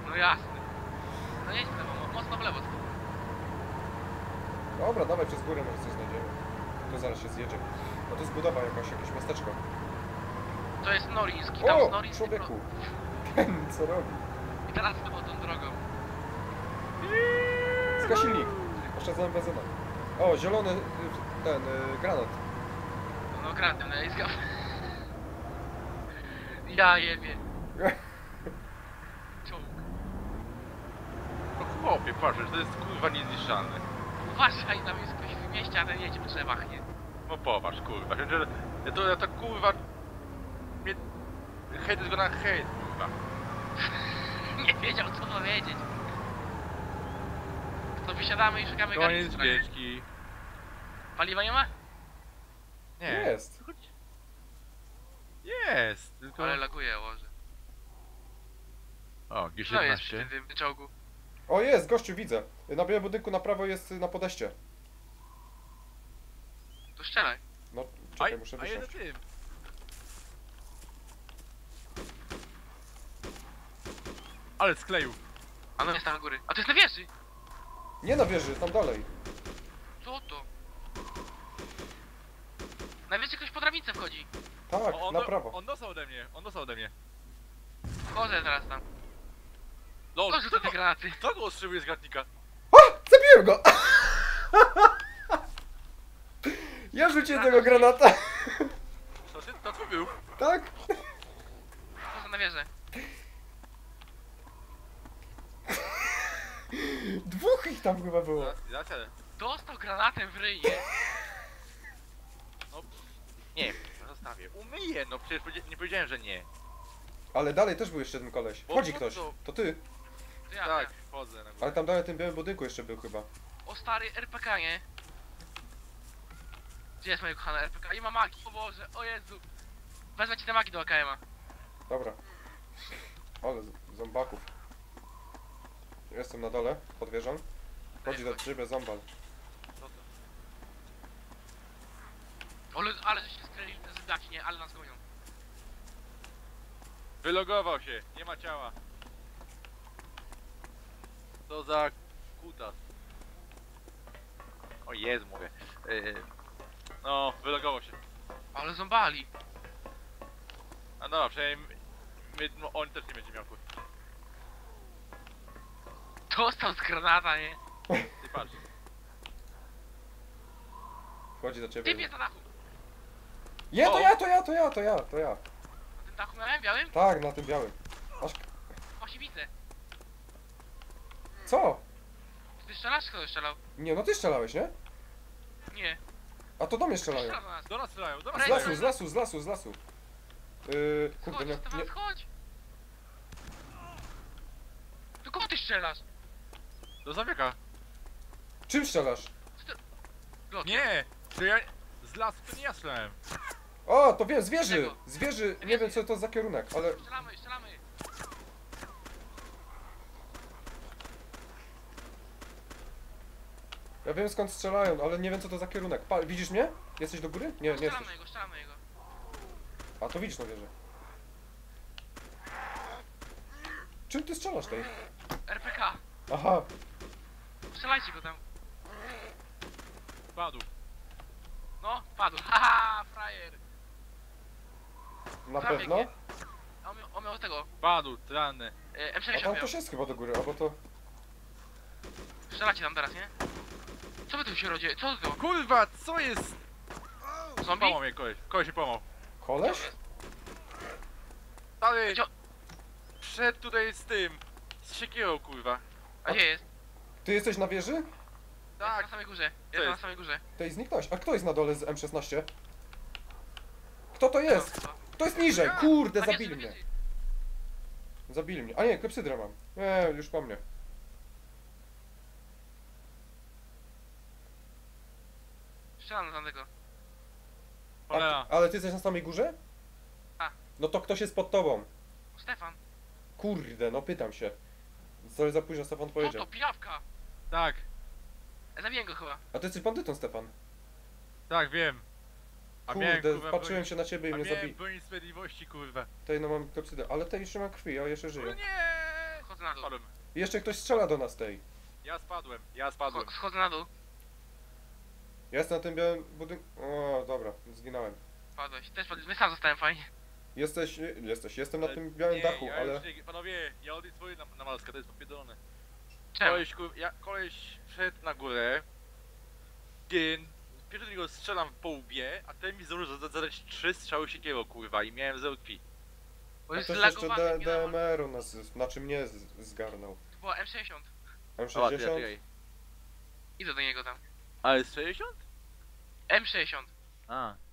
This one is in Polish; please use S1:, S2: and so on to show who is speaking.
S1: No jasne. No jedź w lewo, mocno w lewo.
S2: Dobra, dawaj przez górę, może coś znajdziemy. To zaraz się zjedzie. No to jest budowa jakaś, jakieś miasteczko.
S1: To jest Noriński, tam z
S2: O,
S1: Noriński.
S2: człowieku! Ten co robi?
S1: I teraz to tą drogą.
S2: Zgasilnik. Oszczędzamy benzynę. O, zielony, ten, granat.
S1: No gratem, no ja zgam. Ja jebie. Czołg.
S3: No chłopie, patrz, to jest kurwa niezniszczalne.
S1: Uważaj, tam jest ktoś w mieście, a ten jedzie w drzewach, nie?
S3: No popatrz, kurwa. To kurwa... Hejt jest go na hejt, kurwa.
S1: Nie wiedział co powiedzieć. To wysiadamy i szukamy
S3: Koniec
S1: garnitura.
S3: wieczki.
S1: Paliwa nie ma?
S3: Nie.
S2: Jest.
S3: Jest, tylko...
S1: Ale laguje, Boże.
S3: O,
S1: Co jest przy
S3: G17.
S1: tym czołgu?
S2: O, jest, gościu, widzę. Na białym budynku na prawo jest na podejście.
S1: To strzelaj.
S2: No, czekaj, muszę
S3: A jeden
S2: wysiąść.
S3: tym. Ale skleił.
S1: A no jest tam na góry. A to jest na wieży!
S2: Nie na wieży, tam dalej.
S1: Co to? Na wieży ktoś po drabince wchodzi.
S2: Tak, na prawo.
S3: On dostał ode mnie, on dostał ode mnie.
S1: Wchodzę teraz tam.
S3: Lol,
S1: Co rzuca te granaty?
S3: kto go ostrzeliwuje z gratnika?
S2: Zabiłem go! Ja rzuciłem tego granata.
S3: To tu był.
S2: Tak?
S1: Wchodzę na wieżę.
S2: Dwóch ich tam chyba było.
S3: Zaczę.
S1: Dostał granatem w ryj, nie?
S3: No, nie, zostawię. Umyję, no przecież nie powiedziałem, że nie.
S2: Ale dalej też był jeszcze ten koleś.
S3: Bo
S2: Wchodzi
S3: po
S2: ktoś.
S3: co?
S2: To ty.
S1: To ja,
S3: Tak,
S1: ja.
S3: wchodzę na górę.
S2: Ale tam dalej w tym białym budynku jeszcze był chyba.
S1: O stary RPK, nie? Gdzie jest moje kochane RPK? I ma magi, o Boże, o Jezu. Wezmę ci te magi do AKM-a.
S2: Dobra. Ale zombaków. Jestem na dole, pod wieżą. Chodzi do ciebie zombal.
S3: Co to?
S1: Ale że się skręcili te zydaki, nie? Ale nas gonią.
S3: Wylogował się, nie ma ciała. Co za kutas. O jest, mówię. No, wylogował się.
S1: Ale zombali.
S3: A dobra, przynajmniej no, on też nie będzie miał kur...
S1: Dostał z granata, nie?
S3: Ty patrz.
S2: Chodzi do
S1: Typ
S2: ciebie.
S1: jest na dachu.
S2: Nie, to
S3: O!
S2: ja, to ja, to ja, to ja, to ja.
S1: Na tym dachu miałem białym?
S2: Tak, na tym białym. Aż...
S1: Właśnie widzę.
S2: Co?
S1: Ty strzelasz, kto strzelał?
S2: Nie, no ty strzelałeś, nie?
S1: Nie.
S2: A to do mnie strzelają.
S1: Strzela do nas.
S3: Do nas strzelają, do nas
S2: Z
S1: Ej,
S2: lasu, z lasu, z lasu, z lasu. Kurde,
S1: Chodź,
S2: nie,
S1: Stefan,
S2: nie...
S1: chodź. Do kogo ty strzelasz?
S3: Do zawieka.
S2: Czym strzelasz?
S1: Blokiem.
S3: Nie! To ja... Z lasu to nie ja strzelałem.
S2: O, to wiem, z wieży!
S1: Czego?
S2: Z wieży, nie wiem co to za kierunek, ale...
S1: Strzelamy, strzelamy.
S2: Ja wiem skąd strzelają, ale nie wiem co to za kierunek. Widzisz mnie? Jesteś do góry? Nie, nie jesteś.
S1: Strzelamy jego, strzelamy jego.
S2: A to widzisz na wieżę. Czym ty strzelasz tej?
S1: RPK.
S2: Aha,
S1: Strzelajcie go tam.
S3: Padł.
S1: No, padł. Haha, frajer.
S2: na
S1: Prawie
S2: pewno.
S1: nie. On miał tego.
S3: Padł, ranny.
S2: A
S1: M60
S2: tam
S1: miał.
S2: też jest chyba do góry, albo to...
S1: Strzelacie tam teraz, nie? Co wy tu się rodzi? Co to?
S3: Kurwa, co jest?
S1: Zombie?
S3: Pomał mnie koleś. Koleś się pomał.
S2: Koleś?
S3: Ale...
S1: Cio-
S3: Przed tutaj z tym. Z siekierą, kurwa.
S1: A gdzie jest?
S2: Ty jesteś na wieży?
S1: Jest
S3: Tak.
S1: na samej górze. Jest na
S3: jest?
S1: samej górze.
S2: Tej zniknąłeś. A kto jest na dole z M16? Kto to jest?
S1: No,
S2: Kto jest niżej? Kurde,
S1: na wieży,
S2: zabili
S1: na
S2: mnie.
S1: wieży.
S2: Zabili mnie. A nie, klepsydrę mam. Nie, już po mnie.
S1: Strzelam na tego.
S3: Cholera.
S2: Ale ty jesteś na samej górze?
S1: A.
S2: No to ktoś jest pod tobą.
S1: Stefan.
S2: Kurde, no pytam się. Sorry za późno, Stefan
S1: Co
S2: powiedział.
S1: to? Pijawka.
S3: Tak,
S1: Zabiję go chyba.
S2: A ty jesteś bandytą, Stefan.
S3: tak, wiem. A miałem,
S2: Kurde,
S3: kurwa,
S2: patrzyłem
S3: broń-
S2: się na ciebie i
S3: A
S2: mnie
S3: miałem
S2: zabili.
S3: broń sprawiedliwości, kurwa.
S2: Tej no mam klepsydę, ale tej jeszcze mam krwi, a jeszcze
S3: O
S2: żyje.
S3: nie!
S1: Schodzę na dół.
S3: Spadłem.
S2: I jeszcze ktoś strzela do nas tej.
S3: Ja spadłem.
S1: Schodzę na dół.
S2: Ja jestem na tym białym budynku. O, dobra, zginąłem.
S1: Padłeś. Też padłeś. My sam zostałem fajnie.
S2: Jestem na tym białym
S3: Nie,
S2: dachu,
S3: ja
S2: ale...
S3: już nie, panowie, ja odejdę swoje na maskę, to jest popierdolone.
S1: Czemu?
S3: Koleś wszedł na górę. Pierwszy do niego strzelam po łbie, a ten mi zdążył zadać 3 strzały siekierą, kurwa, i miałem 0 krwi.
S1: Bo
S2: A
S1: jest
S2: ktoś jeszcze
S1: zlagowany.
S2: DMR-u nas, znaczy mnie zgarnął.
S1: To była M60.
S2: M60?
S1: Idę do niego tam.
S3: Ale z 60?
S1: M60.
S3: A.